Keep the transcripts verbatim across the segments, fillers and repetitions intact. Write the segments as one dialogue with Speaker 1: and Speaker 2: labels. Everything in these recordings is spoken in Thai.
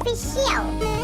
Speaker 1: Official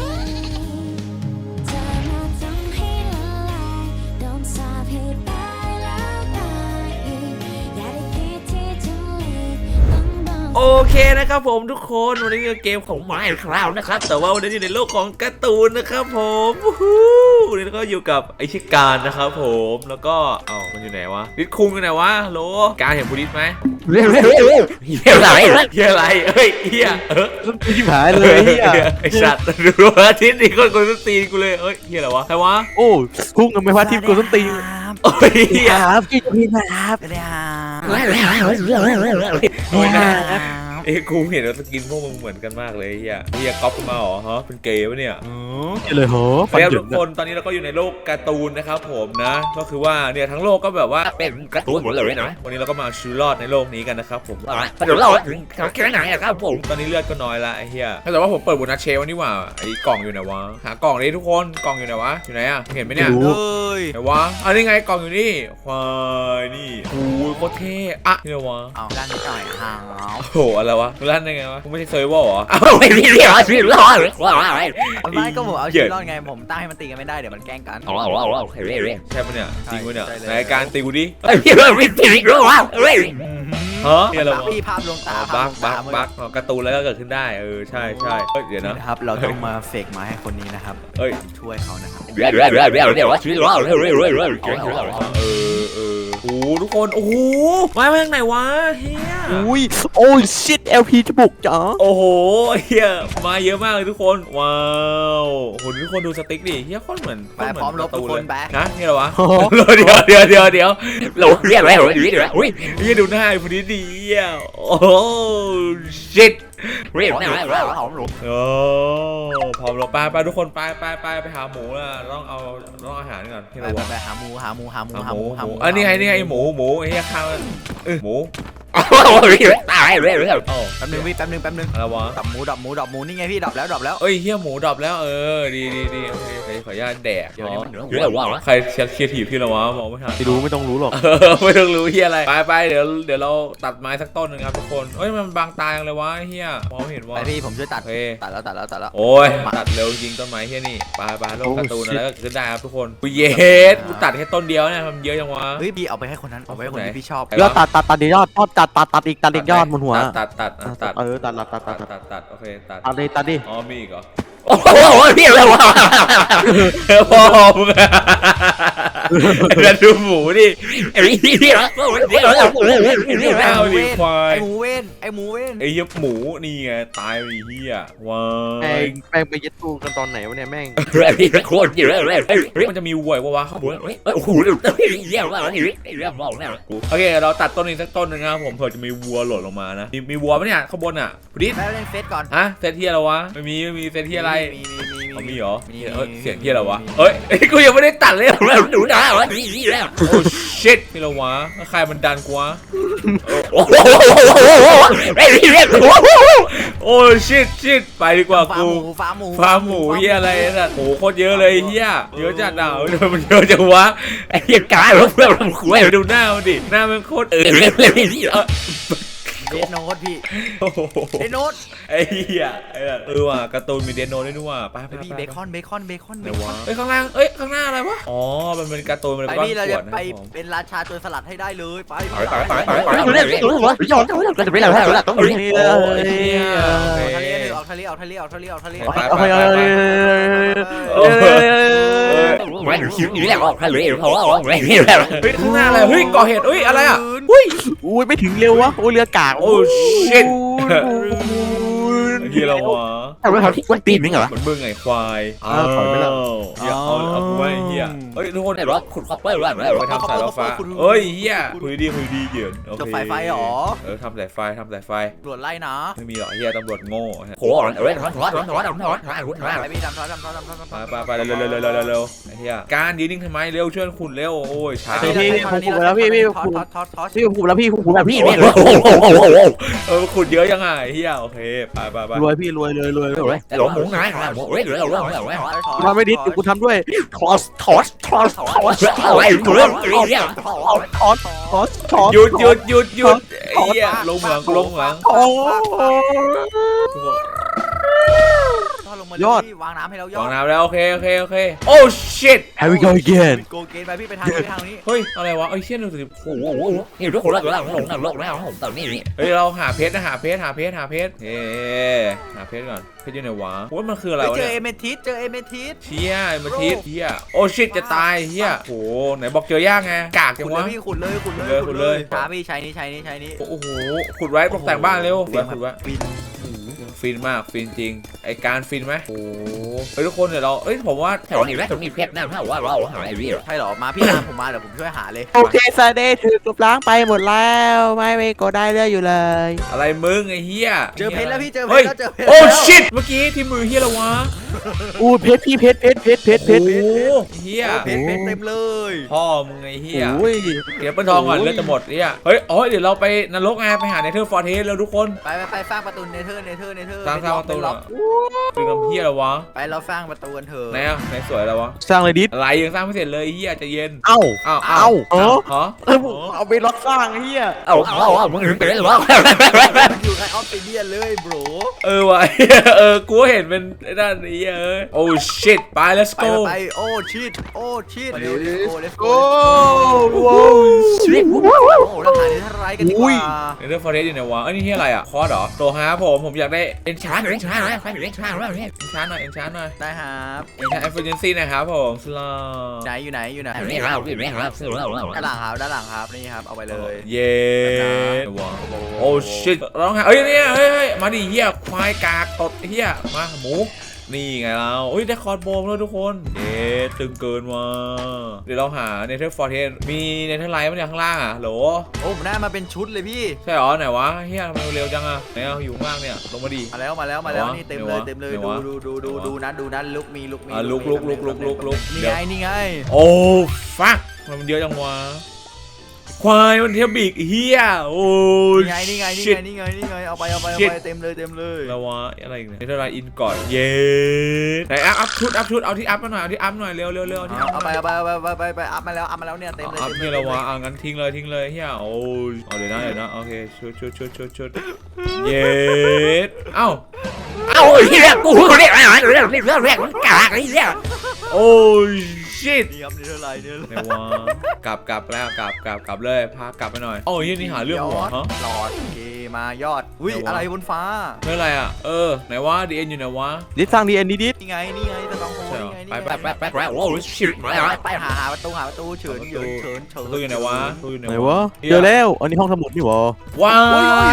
Speaker 2: โอเคนะครับผมทุกคนวันนี้คือเกมของ Minecraft นะครับแต่ว่าวันนี้อยู่ในโลกของการ์ตูนนะครับผมวันนี้ก็อยู่กับไอชิการนะครับผมแล้วก็เอ้ามันอยู่ไหนวะดิสคุงอยู่ไหนวะโลการเห็นบูดิสไหมเฮียอะไรเฮียอะไรเฮ้ยเฮียเออ
Speaker 3: ที่หายเลยเฮีย
Speaker 2: ไอสัตว์ดูว่าทิศนี่คนคนต้นตีนกูเลยเฮ้ยเฮียอะไรวะใครวะ
Speaker 3: โอ้พุ่งกันไปว่าทีมกูต้นตีน
Speaker 2: โอ้ยเฮีย
Speaker 3: ครับพี่จะพี่นะครับ
Speaker 2: โอ้ยนะเอ้กูเห็นว่าสกินพวกมึงเหมือนกันมากเลยเฮียเฮียก๊อปมาเหรอฮะเป็นเกย์ปะเนี่ย
Speaker 3: อ๋อเลยเหรอ
Speaker 2: แล้วทุกคนตอนนี้เราก็อยู่ในโลกการ์ตูนนะครับผมนะก็คือว่าเนี่ยทั้งโลกก็แบบว่าเป็นการ์ตูนหมดเลยนะวันนี้เราก็มาชีวิตรอดในโลกนี้กันนะครับผมเดี๋ยวเราถึงแค่ไหนอะครับผมตอนนี้เลือดก็น้อยละไอ้เฮียแต่ว่าผมเปิดบุญนาเชวันนี้ว่าไอ้กล่องอยู่ไหนวะหากล่องนี้ทุกคนกล่องอยู่ไหนวะอยู่ไหนอะเห็นไหมเนี่ย
Speaker 3: เฮ้ย
Speaker 2: ไหนวะอันนี้ไงกล่องอยู่นี่ควายนี่โอ้ยโคตรเท่อะนี่วะ
Speaker 4: เอาด้านนี้หน่อยฮะ
Speaker 2: โอ้โหอะไรวะร้านได้ไงวะไม่ใช่เซอร์ฟเวอร์เหรอ
Speaker 4: อ้าวไม่มีเรื่องชีวิตรอดไม่ก็ผมเอาชีวิตรอดไงผมตั้งให้มันตีกันไม่ได้เดี๋ยวมันแกล้งกัน
Speaker 2: อ๋ออ๋ออ๋อเฮ้ยเฮ้ยใช่ปะเนี่ยจริงปะเนี่ยรายการตีกูดิ
Speaker 4: เฮ้ยเรื่องวิธีรู้ว่าเฮ้ย
Speaker 2: ฮะเนี่ยเรา
Speaker 4: พี่ภาพลงตา
Speaker 2: บักบักบักการ์ตูนแล้วก็เกิดขึ้นได้เออใช่ใช่เดี๋ยว
Speaker 4: นะครับเราต้องมาเฟกมาให้คนนี้นะครับ
Speaker 2: เอ้ย
Speaker 4: ช่วยเขานะครับ
Speaker 2: เดี๋ยวเดี๋ยวเดี๋ยวเดี๋ยวเดี๋ยวชีวิตรอดเฮ้ยเฮ้ยเฮ้ยเฮ้ยเออเออโอ้ทุกคนโอ้โหมาเมื่อไหนวะเฮีย
Speaker 3: อุ้ยโอ้ชิต แอล พี จะบุกจ้า
Speaker 2: โอ้โหเฮียมาเยอะมากเลยทุกคนว้าวโหทุกคนดูสติ๊กดิเฮียโคตรเหมือน
Speaker 4: ไปพร้อมลบทุกคนไป
Speaker 2: นะนี่เหรอวะเดี๋ยวเดี๋ยวเดี๋ยวเดี๋ยวเราเรียกอะไรเดี๋ยวเดี๋ยวอุ้ยเฮียดูหน้าไอ้พอดีดีอ่ะโอ้ชิต
Speaker 4: เรียกเนี่ยเราหอมหลง
Speaker 2: โอ้พร้อมเราไปไปทุกคนไปไปไปไปหาหมูแล้วต้องเอาต้องอาหารก่อนที่เรา
Speaker 4: ไปหาหมูหาหมูหาหมูหาหมูหาหมู
Speaker 2: อันนี้ไงนี่ไงหมูหมูไอ้เหี้ยข้าวเออหมู
Speaker 4: โอ้ยตายเรื่อยเรื่อยแป๊บนึงพี่แป๊บนึงแป๊บนึง
Speaker 2: อะไรวะ
Speaker 4: ดับหมูดับหมูดับหมูนี่ไงพี่ดับแล้วดับแล้ว
Speaker 2: เอ้ยเฮียหมูดับแล้วเออดีดีดีโอเคขออนุญาตแดก
Speaker 4: เดี๋ยวนี้มัน
Speaker 2: เยอะว่าใครเชียร์เชียร์ถีบพี่ละวะมองไม่ทัน
Speaker 3: ไม่รู้ไม่ต้องรู้หรอก
Speaker 2: ไม่ต้องรู้เฮียอะไรไปไปเดี๋ยวเดี๋ยวเราตัดไม้สักต้นนึงครับทุกคนเอ้ยมันบางตายังเลยวะเฮียมองไม่เห็นว่า
Speaker 4: ไปพี่ผมช่วยตัดตัดแล้วตัดแล้วตัดแล้ว
Speaker 2: โอ้ยตัดเร็วจริงต้นไม้เฮียนี่ไปไปโลกการ์ตูนอะไรก็ขึ้นได้ครับทุกคนกูเย็ดกูตัดแค่ต้นเดียวเนี่ยมันเยอะจังวะ
Speaker 4: เฮ้ยพี่เอาไปให้คนนั้นเอาไปให้คนที่พี่ชอบ
Speaker 3: แล้วตัดตัดตัดยอดตัดตัดตัดอีกตัดอีกยอดบนหัว
Speaker 2: ตัดตัดตัด
Speaker 3: เออตัดตัดตัดตัด
Speaker 2: ตัดตัดโอเคตัด
Speaker 3: ตัดดิตัดดิ
Speaker 2: อ๋อมีอีกเหรอ
Speaker 4: โอ้โหพี่อะไรวะ
Speaker 2: พ่อมึงจะดูหมูดิ
Speaker 4: ไอ้พี่พี่ละไอ้หมูเว้นไอ้หมูเว้นไอ้หมูเว้น
Speaker 2: ไอ้ยับหมูนี่ไงตายไปเฮียว้าว
Speaker 3: แม่งแม่งไปยึดตู้กันตอนไหนวะเนี่ยแม่ง
Speaker 4: พี่โคตรเยอะเลย
Speaker 2: มันจะมีวัววะเขาบอก
Speaker 4: โอ้โหเรียกว่าอะไรเรียกว่าอะไร
Speaker 2: โอเคเราตัดต้นนี้สักต้นนึงนะครับผมเผื่อจะมีวัวหล่นลงมานะมีวัวไหมเนี่ยข้างบนอ่ะพอดี
Speaker 4: แม่เล่นเฟซก่อน
Speaker 2: ฮะเซตเทียอะไรวะไม่มีไม่มีเซตเทียอะไร
Speaker 4: มีมีมี
Speaker 2: มีเหรอเสียงเทียอะไรวะเฮ้ยกูยังไม่ได้ตัดเลย
Speaker 4: หนูด่าวะนี่นี่แล้ว
Speaker 2: โอ้ชิตพี่ละวะใครมันดันกูวะ
Speaker 4: โอ้โห
Speaker 2: โอ้ชิตชิตไปดีกว่ากู
Speaker 4: ฟาร์มหมู
Speaker 2: ฟาร์มหมูเฮียอะไรน่ะโหโคตรเยอะเลยเฮียเยอะจัดอ่ะมันเยอะจังวะ
Speaker 4: ไอ้เหี้ยกายรถเพื่อนมันคุย
Speaker 2: ดูหน้ามันดิหน้ามันโคตรเออ
Speaker 4: เดนโนตพี่เดนโนต
Speaker 2: ไอ้เหี้ยเออว่ะการ์ตูนมีเดนโนตด้วยว่ะไป
Speaker 4: ไปพี่เบคอนเบคอนเบคอน
Speaker 2: เดี๋ยววะเอ้ยข้างล่างเอ้ยข้างหน้าอะไรวะอ๋อมันเป็นการ์ตูนมันเป็นก้อนขวดนะ
Speaker 4: ไปเป็นราชาโจรสลัดให้ได้เลยไป
Speaker 2: ไปไปไปไปไป
Speaker 4: ย้อนก็จะไปแล้วแล้วต้องนี่เลยออกทะเลออกทะเลออกทะเลออกทะเลออกทะเล
Speaker 2: ไปไปไป
Speaker 4: ไม่หิวนี่แหละออกทะเลเพราะว่าไม่
Speaker 2: นี่แหละเฮ้ยข้างหน้าอะไรเฮ้ยก่อเหตุเฮ้ยอะไรอ่ะอุ้ย
Speaker 3: อุ้ยไม่ถึงเร็ววะโอ้เรือกาก
Speaker 2: โอ้ชิตเฮียเราวะ
Speaker 4: ทำไมเขาที่วันปีนมั้งเหรอ
Speaker 2: มันเบื่อไงควายอ้าวถอยไปแล้วเฮียเอาเอากูไว้เฮียเฮ้ยทุกคน
Speaker 4: ไหนวะขุดคอปเปอร์วะ
Speaker 2: ไปทำสายฟ้าเฮ้ยเฮียคุยดีคุยดีเหยินโอเค
Speaker 4: จะไฟไฟหรอ
Speaker 2: เออทำสายไฟทำสายไฟ
Speaker 4: ตรวจไล่นะ
Speaker 2: ไม่มีหรอกเฮียตำรวจโง่
Speaker 4: โหเฮ้ยถอนถอนถอนถอนถอนถอนถอนไปพี่ดำถอนดำถอนดำถอน
Speaker 2: ไปไปเร็วเร็วเร็วเร็วเร็วเฮียการยืนนิ่งทำไมเร็วช่วยขุดเร็วโอ้ยช้า
Speaker 3: พี่พี่ผมขุดแล้วพี่พี่ขุดพี่ผมขุดแล้วพี่ผมขุดแล้วพี่
Speaker 2: เออขุดเยอะยังไงเฮียโอเคไปไปไป
Speaker 3: รวยพี่รวยเลยรวยเลย
Speaker 4: ไอ้หลงหมูง่ายหมูเฮ้ยเหลือเหลือเหลือเหลือ
Speaker 3: ทำไม่ดีกูทำด้วยทอสทอสทอสทอส
Speaker 4: อะไรเรื่องเรื่อง
Speaker 3: ทอสทอสทอสทอส
Speaker 2: หยุดหยุดหยุดหยุดเฮียลงเหมืองลงเหมือง
Speaker 4: ทอดลงมา
Speaker 3: ยอด
Speaker 4: วางน้ำให้เรายอ
Speaker 2: วาง
Speaker 4: ด
Speaker 2: น้ำแล้วโอเคโอเคโอเคโอ้ shit
Speaker 3: Here we go again
Speaker 4: โกเกนไปพี่ไปทางนี้ไปทางนี้
Speaker 2: เฮ้ยอะไรวะเอ้ยเชี่ยหนึ่งสิบ
Speaker 1: โอ้โหนี่ทุกคนรักเราหลงหลงแล้วผมตอนนี้นี่
Speaker 2: เฮ้ยเราหาเพชรนะหาเพชรหาเพชรหาเพชรเฮ้หาเพชรก่อนเพชรอยู่ไหนวะโอ้ยมันคืออะไร
Speaker 4: เฮ้ยว
Speaker 2: ะ
Speaker 4: เจอ
Speaker 2: เนี่ย
Speaker 4: เอเมทิสเจอเอเมทิส
Speaker 2: เชี่ยมาทิศเชี่ยโอ้ shit จะตายเฮียโอ้ไหนบอกเจอยากไงกากจั
Speaker 4: ขุ
Speaker 2: ง
Speaker 4: ดเล
Speaker 2: วะ
Speaker 4: ยพี่ขุดเลยขุดเลย
Speaker 2: ขุดเลย
Speaker 4: ช้าพี่ใช้นี่ใช้นี่ใช้นี่
Speaker 2: โอ้โหขุดไว้ตกแต่งบ้านเร็ว
Speaker 4: เสียง
Speaker 2: ขุดไว้
Speaker 4: บิน
Speaker 2: ฟินมากฟินจริงไอการฟินไหมโอ้เฮ้ยทุกคนเดี๋ยวเราเอ้ยผมว่า
Speaker 1: แถวนี้แม่ตรงนี้เพชรแน่ถ้าว่าเราหาไอ้เรื่อง
Speaker 4: ใช่เหรอมาพี่ตามผมมาเดี๋ยวผมช่วยหาเลย
Speaker 3: โอเคซาเดย์ถือกลบล้างไปหมดแล้วไม่ไม่ก็ได้เรื่อยอยู่เลย
Speaker 2: อะไรมึงไอ้เฮีย
Speaker 4: เจอเพชรแล้วพี่เจอเพ
Speaker 2: เฮ้
Speaker 4: ช
Speaker 2: ย
Speaker 4: รแล้วเจอเพชร
Speaker 2: โอ้
Speaker 4: แล้ว
Speaker 2: shit เมื่อกี้ที่มือเฮียละวะ
Speaker 3: อู้เพชรพี่เพชรเพชรเพชรเพชรเพชร
Speaker 2: โอ้เฮีย
Speaker 4: เพชรเพชรเต็มเลย
Speaker 2: พ่อมึงไอ้เฮีย
Speaker 3: โอ้ย
Speaker 2: เดี๋ยวเปิ้ลทองก่อนเลือดจะหมดเฮียเฮ้ยอ๋อเดี๋ยวเราไปนรกไงไปหาเนเธอร์ฟอร์เทสแล้วทุกคน
Speaker 4: ไปไปไปสร้างประตูเนเธอร์เนเธอร์เนเธอร์
Speaker 2: สร้างสร้างประตู
Speaker 4: เป็น
Speaker 2: เหร
Speaker 4: ล็
Speaker 2: อ
Speaker 4: อก
Speaker 2: คือน้ำเฮียละวะ
Speaker 4: ไปเราสร้างประตูกันเถอะ
Speaker 2: ไหนอ่ะไหนสวยแล้ววะ
Speaker 3: สร้างเลยดิส
Speaker 2: อะไรยังสร้างไม่เสร็จเลยเฮียใจะเย็น
Speaker 3: เอ้า
Speaker 2: อ้าว
Speaker 3: เอ้าเออ
Speaker 2: ฮะ
Speaker 3: เออผมเอาไปล็อกสร้างไอ้เฮีย
Speaker 1: เอาเอาเอามึงถึงเป็นหรอ
Speaker 4: อยู่ในออฟฟิเดียนเลยโบร
Speaker 2: เออวะ เออกูเห็นเป็นไอ้ด้านนี้เอ้ยโอ้ shit ไป let's
Speaker 4: ไป
Speaker 2: go
Speaker 4: ไปโอ้ชิดโอ้ชิดเร็ว let's go let's
Speaker 3: โอ้
Speaker 4: go
Speaker 3: โว้
Speaker 1: ชีวิต
Speaker 4: โอ้เราหาในท่าไรกันดีกว่า
Speaker 2: เนเธอร์ฟอร์เทสอยู่ไหนวะเอ้ยนี่เฮียอะไรอ่ะคอร์สเหรอตัวฮาผมผมอยากได้
Speaker 1: เอ็นชาร์เอ็นชาร์ใครเอ็นชาร์แล้วเนี่ย
Speaker 2: enchant หน่อย enchant หน่อย
Speaker 4: ได้ครับ
Speaker 2: enchant efficiency นะครับผมสลา
Speaker 4: ไหนอยู่ไหนอยู่ไหน
Speaker 1: เรื่องเราเรื่องเราซื้อเราเรา
Speaker 4: ด้านหลังครับด้านหลังครับนี่ครับเอาไปเลย
Speaker 2: เย้ว้าวโอ้ shit ร้องไห้เอ้ยเนี่ยเฮ้ยเฮ้ยมาดิเฮียควายกากตดเฮียมาหมูนี่ไงเราอุ้ยได้คอร์ดโบมแล้วทุกคนเย้ตึงเกินว่ะเดี๋ยวเราหาเนเธอร์ฟอร์เทสมีเนเธอร์ไลท์มั้ยเนี่ยข้างล่างอ่ะโหล
Speaker 4: โอ้ผมได้มาเป็นชุดเลยพี่
Speaker 2: ใช่เหรอไหนวะเฮียทำไมเร็วจังอ่ะไหนเอาอยู่ข้างล่างเนี่ยลงมาดิ
Speaker 4: มาแล้วมาแล้วมาแล้วนี่เต็มเลยเต็มเลย
Speaker 2: ไหน
Speaker 4: ดู
Speaker 2: วะ
Speaker 4: ดูดูดูดูนะดูนะลุกมีลุกมี
Speaker 2: อ่ะลุกลุกลุกลุกลุกลุก
Speaker 4: นี่
Speaker 2: เดี๋ยว
Speaker 4: ไงนี่ไง
Speaker 2: โอ้ฟักมันเยอะจังวะควายมันเทียบบีกเฮียโอ้ย
Speaker 4: นี่ไงนี่ไงนี่
Speaker 2: shit
Speaker 4: ไงนี่ไงนี่ไงเอาไปเอาไปเอา
Speaker 2: shit
Speaker 4: ไปเต็มเลยเต็มเลย
Speaker 2: แล้ววะอะไรอีกเนี่ยเนเธอร์ไลท์อินก่อนเย้ไหนอัพอัพชุดอัพชุดเอาที่อัพมาหน่อยเอาที่อัพหน่อยเร็วเร็วเร็วเอาที่อัพ
Speaker 4: เอาไปเอาไปเอาไปเอาไปไปอัพมาแล้วอัพมาแล้วเนี่ยเต็มเลย
Speaker 2: อัพ
Speaker 4: เต็ม
Speaker 2: นี่
Speaker 4: เล
Speaker 2: แล้
Speaker 4: ยว
Speaker 2: วะอ่ะงั้นทิ้งเลยทิ้งเลยเฮียโอ้ยเอาเดี๋ยวนะเดี๋ยวนะโอเคชุดชุดชุดชุดชุดเย้เอ้า
Speaker 1: เอาเรื่องกูเรียกอะไรเรื่องเรื่องเรื่องมันกากไอ้เรื่อง
Speaker 2: โอ้ยชิต
Speaker 4: นี่ครับนี่เท่าไรเนี่ย
Speaker 2: ไหนวะกลับกลับแล้วกลับกลับกลับเลยพากลับไปหน่อยโอ้ยนี่หาเรื่องหัวฮะ
Speaker 4: หลอดโอเคมายอดอุ้ย
Speaker 2: ไหนวะ
Speaker 4: อะไรบนฟ้า
Speaker 2: ไม่อะไรอ่ะเออไหนวะดีเอ็นอยู่ไหนวะ
Speaker 3: ดิสสร้างดีเอ็นดิส
Speaker 4: นี่ไงนี่ไงตะตองโฮ
Speaker 2: ใช่เหรอ
Speaker 4: นี่ไงนี่
Speaker 2: ไป
Speaker 4: ไง
Speaker 2: ไป
Speaker 1: แป๊บแป๊บแป๊บโอ้ชิบมาแล้ว
Speaker 4: ไปหาหาประตูหาประตูเฉินเฉินเฉินเฉิน
Speaker 2: ตู้อยู่ไหนวะตู้อยู่ไหน
Speaker 3: ไหนวะเจอแล้วอันนี้ห้องสมุดนี่หวะ
Speaker 2: ว้าย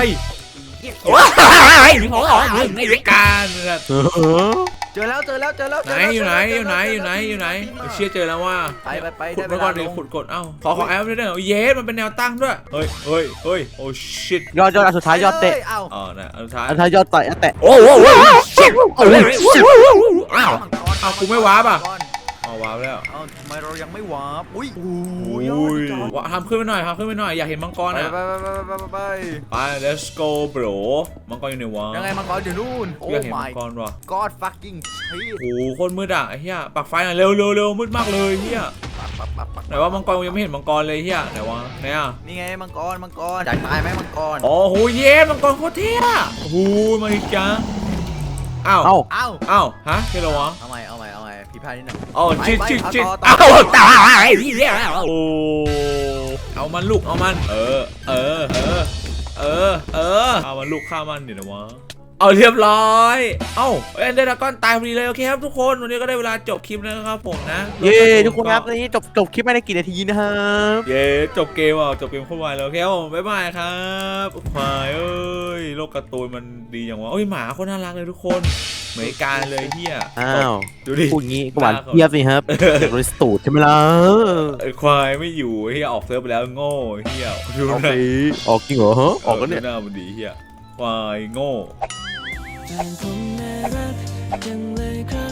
Speaker 1: ว้ายโอ้ยไม่เรื่อง
Speaker 2: การแบบ
Speaker 3: เออ
Speaker 4: เจอแล้วเจอแล้วเจอแล้ว
Speaker 2: ไหนอยู่ไหนอยู่ไหนอยู่ไหนอยู่ไหนเชี่ยเจอแล้วว่า
Speaker 4: ไปไปไป
Speaker 2: ขุด
Speaker 4: ได้
Speaker 2: ไป
Speaker 4: เว
Speaker 2: ก่อ
Speaker 4: ลาน
Speaker 2: ดิ
Speaker 4: ลง
Speaker 2: ขุดกดเอ้าขอขอแอปด้วยเด้อเยสมันเป็นแนวตั้งด้วยเฮ้ยเฮ้ยเฮ้ยโอ้ชิต
Speaker 3: ยอดยอดอันสุดท้ายยอดเตะ
Speaker 4: เอ้า
Speaker 2: อ๋อนะอันสุดท้าย
Speaker 3: อันสุดท้ายยอดเตะแตะ
Speaker 1: โอ้โหชิบโอ้ยชิบอ้าว
Speaker 2: อ้าวกูไม่วาร์ปอ่ะอ๋อวาร์ปแล้ว
Speaker 4: เอ้าทำไมเรายังไม่วาร์ปอุ้ยโอ้
Speaker 2: โอ้
Speaker 4: ย
Speaker 2: ย
Speaker 4: ยอดจอด
Speaker 2: วะทำขึ้นไปหน่อยทำขึ้นไปหน่อยอยากเห็นมังกร
Speaker 4: ไป
Speaker 2: อ่ะ
Speaker 4: ไปไปไปไปไป
Speaker 2: ไป let's go bro มังกรอยู่ไหนวะ
Speaker 4: ยังไงมังกรอยู่นู่นโอ้
Speaker 2: อยากเห็นมั
Speaker 4: my
Speaker 2: งกรว่ะ
Speaker 4: god fucking shit
Speaker 2: โอ้โหโคนมืดอ่ะไอ้เฮียปักไฟหน่อยเร็วเร็วเร็วมืดมากเลยเฮีย
Speaker 4: ปักปักปักปัก
Speaker 2: ไหนว่ามังกรยังไม่เห็นมังกรเลยเฮียไหนวะไหนอ่ะ
Speaker 4: นี่ไงมังกรมังกรอยากตายไหมมังกร
Speaker 2: โอ้โหเย้มังกรโคตรเท่อะโอ้โหมาอีกจ้าอ้าว
Speaker 3: เอ้า
Speaker 4: เอ้า
Speaker 2: อ้าวฮะใช่เหรอวะ
Speaker 4: เอาใหม่เอาใหม่เอาใหม่ผิดพลาดนิดหน่อย
Speaker 2: อ๋อ
Speaker 4: ไป
Speaker 2: ชิด
Speaker 4: ไป
Speaker 2: ชิด
Speaker 4: เอา
Speaker 2: ชิด
Speaker 4: ต่อต่อ
Speaker 2: อ้าว
Speaker 1: ตายที่เรื่อง
Speaker 2: โอ้เอามันลูกเอามันเออเออเออเออเออเอามันลูกฆ่ามันเดี๋ยวนะวะเอาเรียบร้อยเอ้าเอ็นเดอร์ดากอนตายพอดีเลยโอเคครับทุกคนวันนี้ก็ได้เวลาจบคลิปแล้วนะครับผมนะ
Speaker 3: เย้ทุกคนครับตอนนี้จบจบคลิปไม่ได้กี่นาทีนะครับ
Speaker 2: เย้จบเกมอ่ะจบเกมโคตรไวแล้วโอเคครับผมบ๊ายบายครับควายเอ้ยโลกการ์ตูนมันดีอย่างวะเอ้ยหมาโคตรน่ารักเลยทุกคนเหมือนการเลยเฮีย
Speaker 3: อ้าว
Speaker 2: ดูดิ
Speaker 3: พูดงี้ก็หวานเทียบสิครับเด็กบริสตูดใช่ไหมล่ะ
Speaker 2: ไอ้ควายไม่อยู่เฮียออกเซิร์ฟไปแล้วโง่เฮียดู
Speaker 3: โอ
Speaker 2: ห
Speaker 3: เค
Speaker 2: น้า
Speaker 3: ออกจริงเหรอฮะออกแล้วเนี่ย
Speaker 2: ดูหน้ามันดีเฮียควายโง่
Speaker 5: ต่างคนน่ารักจังเลยครับ